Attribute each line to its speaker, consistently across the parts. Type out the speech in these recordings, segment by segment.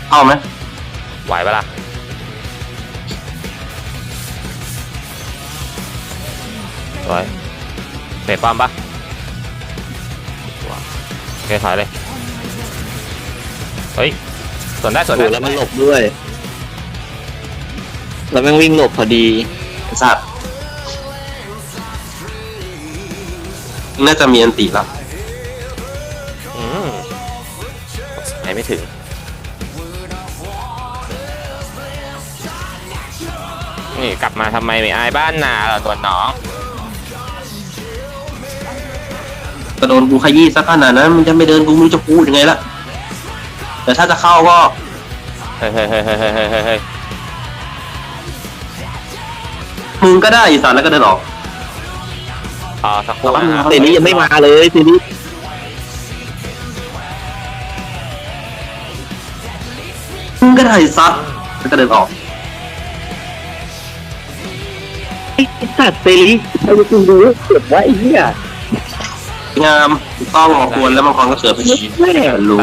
Speaker 1: เอาไหม
Speaker 2: ไหวปะล่ะสวยเตะป้อมปะโอเคถอยเลยเฮ้ยสวนได้สวนได้
Speaker 3: แล้วมันหลบด้วยแล้วแม่งวิ่งหลบพอดี
Speaker 1: ไอ้สัตว์น่าจะมีอันติแล้ว
Speaker 2: ไหนไม่ถึงนี่กลับมาทำไมไม่อายบ้านนาล่ะตัวน้อง
Speaker 1: กระโดนกูขยี้สักขนาดนั้นมันจะไม่เดินกูไม่รู้จะพูดยังไงละแต่ถ้าจะเข้าก็
Speaker 2: เฮ้ย
Speaker 1: มึงก็ได้อีสานแล้วก็เดินออก
Speaker 2: สักครู่นะ
Speaker 3: เซนี้ยังไม่มาเลยเซนี้
Speaker 1: มึงก็ได้ซัดแล้วก็เดินออก
Speaker 3: ไอ้สัตว์เซนี้ไอ้กูรู้เก็บไว้ไอ้เหี้ย
Speaker 1: งามถูกต้องควรแล้วบางคนก็เสือไปชี้
Speaker 3: แม่
Speaker 1: รู้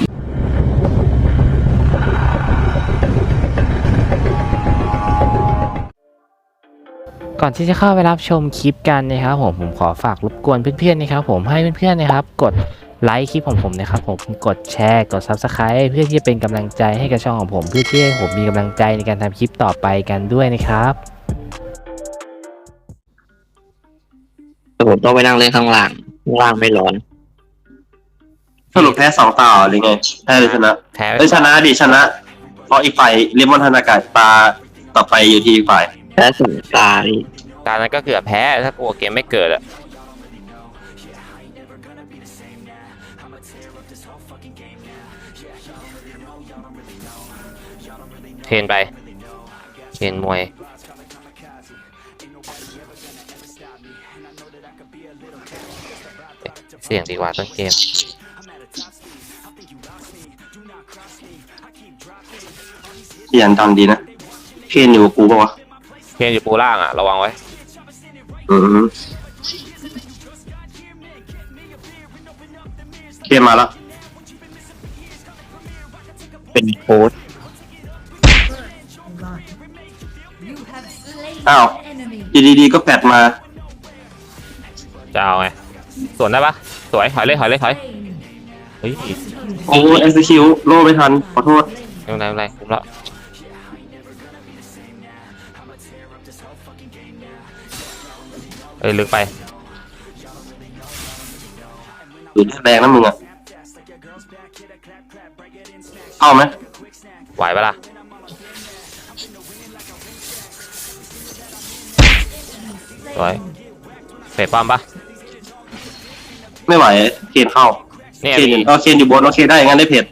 Speaker 4: ก่อนที่จะเข้าไปรับชมคลิปกันนะครับผมขอฝากรบกวนเพื่อนๆนะครับผมให้เพื่อนๆนะครับกดไลค์คลิปของผมนะครับผมกดแชร์กด Subscribe เพื่อที่จะเป็นกำลังใจให้กับช่องของผมเพื่อที่ให้ผมมีกำลังใจในการทำคลิปต่อไปกันด้วยนะครับ
Speaker 3: ผมต้องไปนั่งเล่นข้างล่างไม่ร้อน
Speaker 1: สรุปแพ้2 ต่อหรือไงแพ้หรือชนะ
Speaker 2: แพ้
Speaker 1: ชนะดิชนะเพราะอีกฝ่ายเรียมอนธนากาศตาต่อไปอยู่ที่อีกฝ่าย
Speaker 3: แพ้สองตาดิ
Speaker 2: ตอนนั้นก็เกือบแพ้ถ้ากลัวเกมไม่เกิดอะเทรนไปเทรนมวยเสี่ยงดีกว่าต้นเกม
Speaker 1: เปลี่ยนดังดีนะเคนอยู่กับกูป่าวะ
Speaker 2: เทรนอยู่ปูล่างอะระวังไว้
Speaker 1: เคนมาแล้ว
Speaker 3: เป็นโค้ด
Speaker 1: อ้าวดีๆก็แปดมา
Speaker 2: จะเอาไงสวนได้ปะสวยถอยเลยเฮ้ย
Speaker 1: โอ้เอ็กซิคิวโล่ไม่ทันขอโทษ
Speaker 2: ไม่เป็นไรคุ้มแล้วลึกไป
Speaker 1: หรือแรงนะมึงอ่ะเอาไหม
Speaker 2: ไหวปะล่ะสวยเฟดป้อมปะ
Speaker 1: ไม่ไหวเคนเข้า
Speaker 2: เนี่ย
Speaker 1: เคน
Speaker 2: มี
Speaker 1: เคนอยู่บนโอเคได้งั้นได้เพจ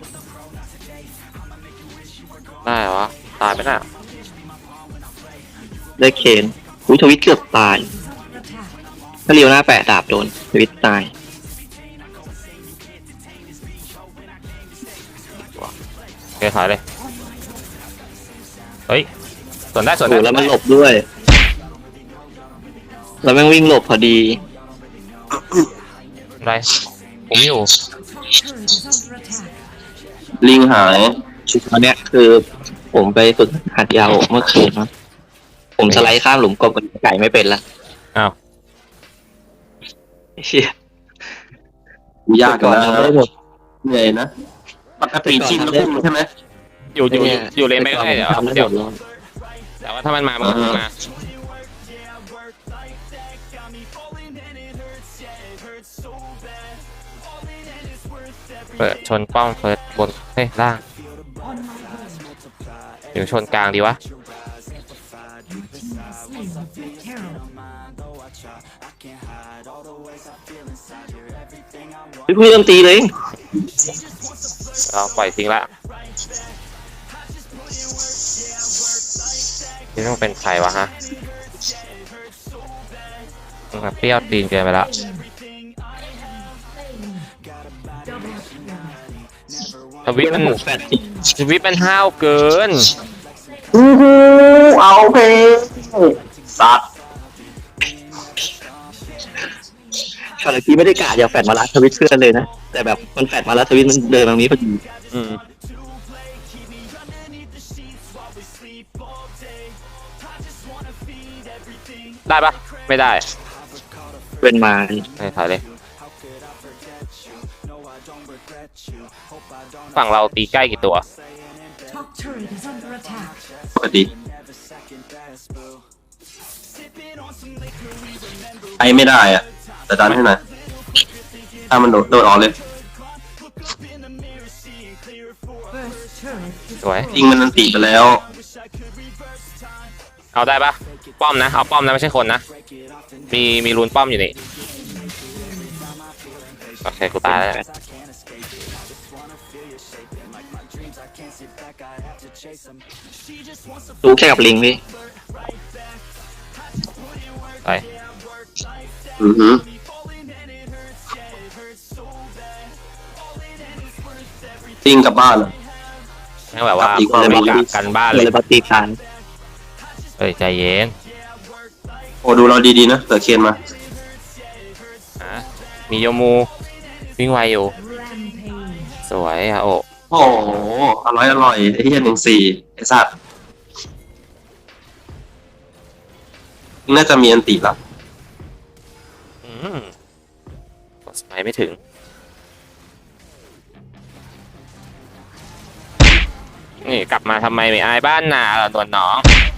Speaker 2: ได้เหรอตายไปน่ะ
Speaker 3: ได้เคนอุ้ยทวิตเกือบตายถ้าเรียวหน้าแปะดาบโดนทวิตตาย
Speaker 2: โอเคถอยเลยเฮ้ยสวนได้
Speaker 3: โอ้แล้วมันหลบด้วยแล้วแม่งวิ่งหลบพอดี
Speaker 2: ไรผมอยู่
Speaker 1: ลิงหาย
Speaker 3: ตอนเนี้ยคือผมไปฝึกหัดยาวเมื่อคืนนะผมสไลด์ข้ามหลุมกบกับไก่ไม่เป็นละ
Speaker 2: อ้าว
Speaker 3: เชี่ย
Speaker 1: ยากกันนะ
Speaker 3: ได้หมด
Speaker 1: เหนื่อยนะปกติชินแล้วพุ่งใช่ไหม
Speaker 2: อยู่เลนไม่ได้เดี๋ยว
Speaker 3: ทำได้
Speaker 2: เดี๋ยว
Speaker 3: หมดเลย
Speaker 2: แต่ว่าถ้ามันมามันก็มาเปิดชนป้อมเฟิร์สบนเฮ้ยล่างหรือชนกลางดีวะ
Speaker 3: พี่เพิ่งเริ่มตีเลย
Speaker 2: เราปล่อยทิ้งละนี่ต้องเป็นใครวะฮะมันเปรี้ยวตีนเกินไปแล้วทวิตมัน
Speaker 3: แฟดสิ
Speaker 2: ทวิตมันห้าวเกิน
Speaker 1: เอาเพสัตว์
Speaker 3: ช็อตที่ไม่ได้กะอย่าแฟดมาลัดทวิตเพื่อนเลยนะแต่แบบมันแฟดมาแล้วทวิตมันเดินตรงนี้พอดี
Speaker 2: อืมได้ปะไม่ได้
Speaker 3: เป็นมา
Speaker 2: ไม่ถอยเลยฝั่งเราตีใกล้กี่ตัว
Speaker 5: Top turret is under attack.
Speaker 1: ปกติไปไม่ได้อะแต่ดันให้หน่อยถ้ามันโดดออกเลย
Speaker 5: First turret is
Speaker 2: สวย
Speaker 1: ยิงมันนันติไปแล้ว
Speaker 2: เอาได้ปะป้อมนะเอาป้อมนะไม่ใช่คนนะมีรูนป้อมอยู่นี่โอเคกูตายแล้ว
Speaker 3: ดูแค่กับลิงพี่
Speaker 2: ไป
Speaker 1: อือหือ ติ้งกลับบ้านอะ
Speaker 2: นั่นแบบว่า
Speaker 1: อีกคน
Speaker 2: ไม่กะกันบ้านเลย
Speaker 3: เลยปฏิทาน
Speaker 2: เฮ้ยใจเย็น
Speaker 1: โอ้ดูเราดีๆนะเกิดเคนมา
Speaker 2: มีโยมูวิ่งไวอยู่
Speaker 5: rampage.
Speaker 2: สวยอะโอ้
Speaker 1: โอ้โหอร่อยไอ้เหี้ย14ไอ้สัตว์น่าจะมีอันติละ
Speaker 2: กดสมัยไม่ถึงนี่กลับมาทำไมไม่อายบ้านนาล่ะนวลน้อง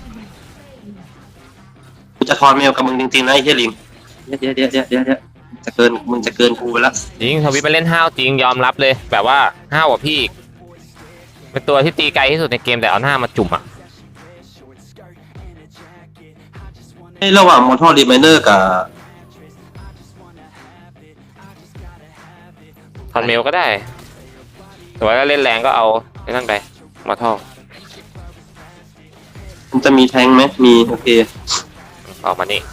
Speaker 1: กูจะทอนเมลกับมึงจริงๆนะไอ้เหี้ยลิงเดี๋ยวจะเกินมึงจะเกินกูไปละ
Speaker 2: จริงทวิตไปเล่นห้าวจริงยอมรับเลย แบบว่าห้าวกว่าพี่อีกเป็นตัวที่ตีไกลที่สุดในเกมแต่เอาหน้ามาจุ่มอ่ะ
Speaker 1: ไอ้ระหว่างมอทอรีไมเนอร์กับ
Speaker 2: ทอนเมลก็ได้แต่ว่าถ้าเล่นแรงก็เอาไอ้นั่นไปมาท่อ
Speaker 1: มันจะมีแทงค์ไหมมีโอเค
Speaker 2: ออกมานี่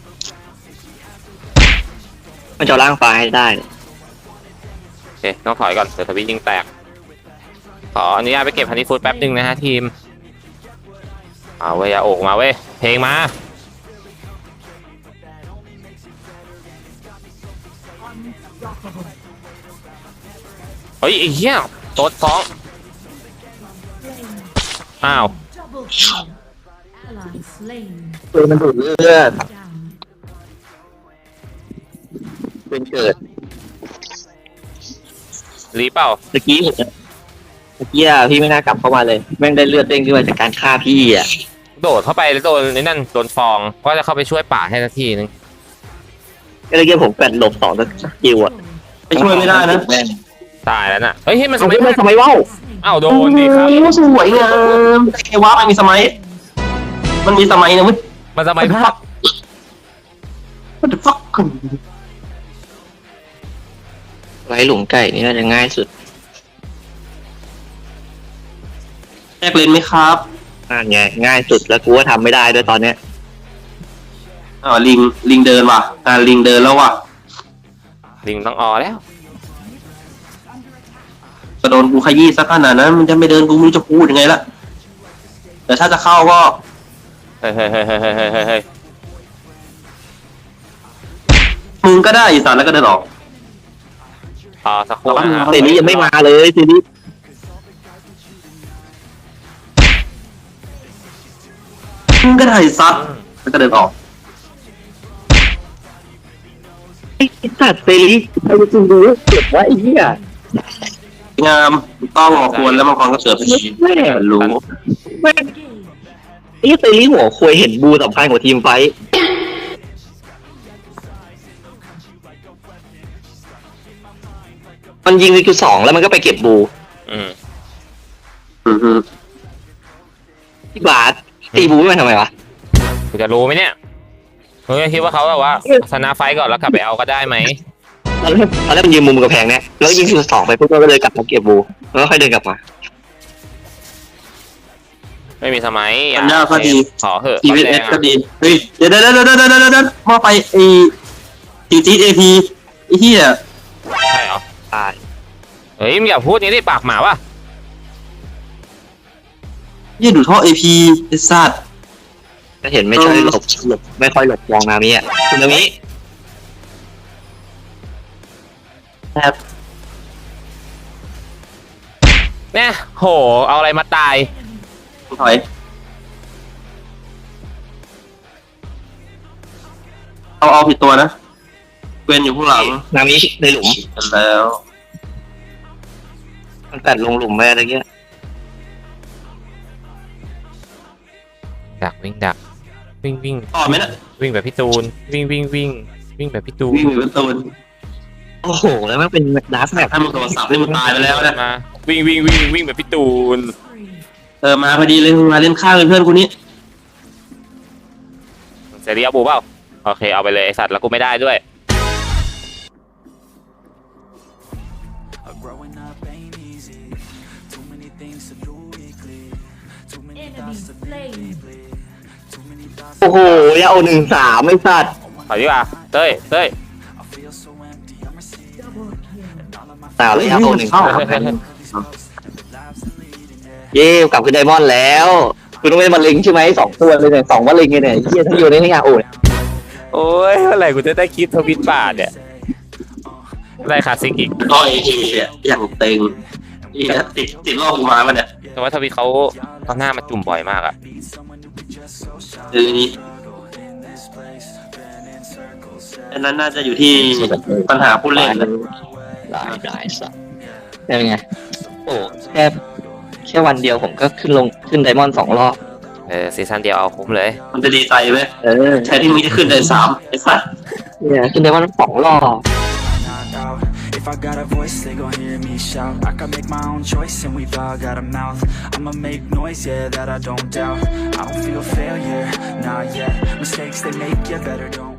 Speaker 3: มันจะเอาร่างฟ้าให้ได้
Speaker 2: โอเคต้องถอยก่อนเดี๋ยวทวิตยิงแตกขออนุญาตไปเก็บฮันนี่ฟูดแป๊บนึงนะฮะทีมเอาเว้ยโอกมาเว้ยเพลงมาเฮ้ยไอ้เหี้ยโต๊ดฟ้องอ้าว
Speaker 5: Double kill. Ally slain.
Speaker 3: ปืนมันดูดเลือด
Speaker 5: Down.
Speaker 3: เป็นเกิด
Speaker 2: รีเปล่า
Speaker 3: เมื่อกี้อะพี่ไม่น่ากลับเข้ามาเลย แม่งได้เลือดเด้งขึ้นมาจากการฆ่าพี่อ่ะ
Speaker 2: โดดเข้าไปแล้วโดนไอ้นั่นโดนฟองก็จะเข้าไปช่วยป่าให้สักทีนึง
Speaker 3: ก็เลยเกี่ยวผมแปดหลบ2สกิลอ่ะ
Speaker 1: ไปช่วยไม่ได้นะ
Speaker 3: แม่ง
Speaker 2: ตายแล้วน่ะเฮ้ยมันส
Speaker 3: ทำไม
Speaker 2: มัย
Speaker 3: ทำไมว่าว
Speaker 2: อ้าวโดนดิครับ
Speaker 1: สวยงามไอ้ว้ามันมีสมัย มันมีสมัยนะเว้ย
Speaker 2: มันสมัยภาพ
Speaker 1: What the fuck
Speaker 3: ไว้หลุมไก่นี่น่าจะง่ายสุด
Speaker 1: แยกเลนไหมครับ
Speaker 3: นั่นไงง่ายสุดแล้วกูก็ทำไม่ได้ด้วยตอนเนี้ย
Speaker 1: ลิงเดินว่ะลิงเดินแล้วว่ะ
Speaker 2: ลิงต้องออแล้ว
Speaker 1: กระโดนกูขยี้สักขนาดนั้นมันจะไม่เดินกูไม่รู้จะพูดยังไงละแต่ถ้าจะเข้าก็
Speaker 2: เฮ้ยเฮ้ยเฮ้ยเฮ้ยเฮ้ยเฮ้ย
Speaker 1: มึงก็ได้อีสานแล้วก็เดินออก
Speaker 2: สักครู่นะ
Speaker 3: เซรียังไม่มาเลยเซรี
Speaker 1: มึงก็ได้ซัดแล้วก็เดินออก
Speaker 3: ไอ้สัตว์เซรีไอ้จริงดูเก็บไว้ไอ้เหี้ย
Speaker 1: งามต้องควรแล้วมังกรก็เสือไปชี
Speaker 3: แม่
Speaker 1: รู้
Speaker 3: แม่งไอ้เซรีหัวควยเห็นบูสำคัญกว่าทีมไฟท์มันยิงในจุด2แล้วมันก็ไปเก็บบู
Speaker 2: อืม
Speaker 1: อือฮึ
Speaker 3: ที่บาสตีบูไม่มาทำไมวะ
Speaker 2: กูจะรู้ไหมเนี่ยมึงคิดว่าเขาแบบว่าชนะไฟก่อนแล้วกลับไปเอาก็ได้ไหม
Speaker 3: ตอนแรกมันยืนมุมกระแพงเนี่ยแล้วยิงจุด2ไปปุ๊บก็เลยกลับมาเก็บบูแล้วก็ค่อยเดินกลับมา
Speaker 2: ไม่มีสมัย
Speaker 1: ปัญญาก็ดี
Speaker 2: ขอเหอะ
Speaker 1: ทีวี
Speaker 2: แร
Speaker 1: เอง ส
Speaker 2: อะ
Speaker 1: ก็ดีเฮ้ยเดี๋ยวมาไปไอ้จีเอพีไอ้เหี้ย
Speaker 2: ใช่เหรอ
Speaker 3: ตาย
Speaker 2: เฮ้ยมึงอย่าพูดนี้ดิปากหมาว่ะ
Speaker 1: เหี้ยดูท่อเอพีไอ้สัตว์
Speaker 3: ก็เห็นไม่ค่อยหลบไม่ค่อยหลบมองนามิอ่ะคุณนามิ
Speaker 1: แอบ
Speaker 2: เนี่ยโหเอาอะไรมาตาย
Speaker 1: ถอยเอาผิดตัวนะเกวนอยู่ข้างหลัง
Speaker 3: นามิในหลุม
Speaker 1: กันแล้ว
Speaker 3: มันกัดลงหลุมไปอะไรเงี้ย
Speaker 2: ดักวิ่งดักวิ่ง
Speaker 1: ต่อไหมนะ
Speaker 2: วิ่งแบบพี่ตูนวิ่งแบบพี่ตูน
Speaker 1: วิ่งอยู่บนตูน
Speaker 3: โอ้โหแล้วมันเป็นดาร์กแบบ
Speaker 1: ถ้ามึงโดนสับนี่มึงตายไปแล้วนะ
Speaker 2: มาวิ่งแบบพี่ตูน
Speaker 5: Spree.
Speaker 1: มาพอดีเลยมึงมาเล่นข้างเพื่อนกูนี้
Speaker 2: เสรีเอาบูเปล่าโอเคเอาไปเลยไอสัตว์แล้วกูไม่ได้ด้วย
Speaker 5: Enemy slain.
Speaker 3: โอ้โหยาโอ1-3ไม่สัตว์
Speaker 2: ถอยดีกว่าเต้ย
Speaker 5: Double kill.
Speaker 3: สาวเลยยาโอ1-3
Speaker 1: เข้า
Speaker 3: เย่กลับขึ้นไดมอนด์แล้วคุณต้องเป็นมะเร็งใช่ไหม2 ตัวเลยเนี่ย2มะเร็งเลยเนี่ยเฮียทั้งอยู่ในยาโอเนี่ย
Speaker 2: โอ้ยเมื่อไหร่กูจะได้คลิปทวิตบาทเนี่ยได้คลาสสิกอีก
Speaker 1: ก็ไอ้ทีเนี่ยอย่างเต็งนี่ติดรอบกูมามันเนี่ย
Speaker 2: แต่ว่าทวิตเขาหน้ามาจุ่มบ่อยมากอะ
Speaker 1: คือนี่อันนั้นน่าจะอยู่ที่ปัญหาผู้เล่นเลย
Speaker 3: ได้สัตว์เป็นไงโอ้แค่วันเดียวผมก็ขึ้นไดมอนด์2 รอบ
Speaker 2: ซีซั่นเดียวเอาคุ้มเลย
Speaker 1: มันจะดีใจไหมแทนที่มึงจะขึ้นได้3ไอ้สัส
Speaker 3: เนี่ยขึ้นไดมอนด์2 รอบ
Speaker 6: knocked out. If I got a voice, they gon' hear me shout. I can make my own choice, and we've all got a mouth. I'ma make noise, yeah, that I don't doubt. I don't feel failure, not yet. Mistakes they make, yeah, better don't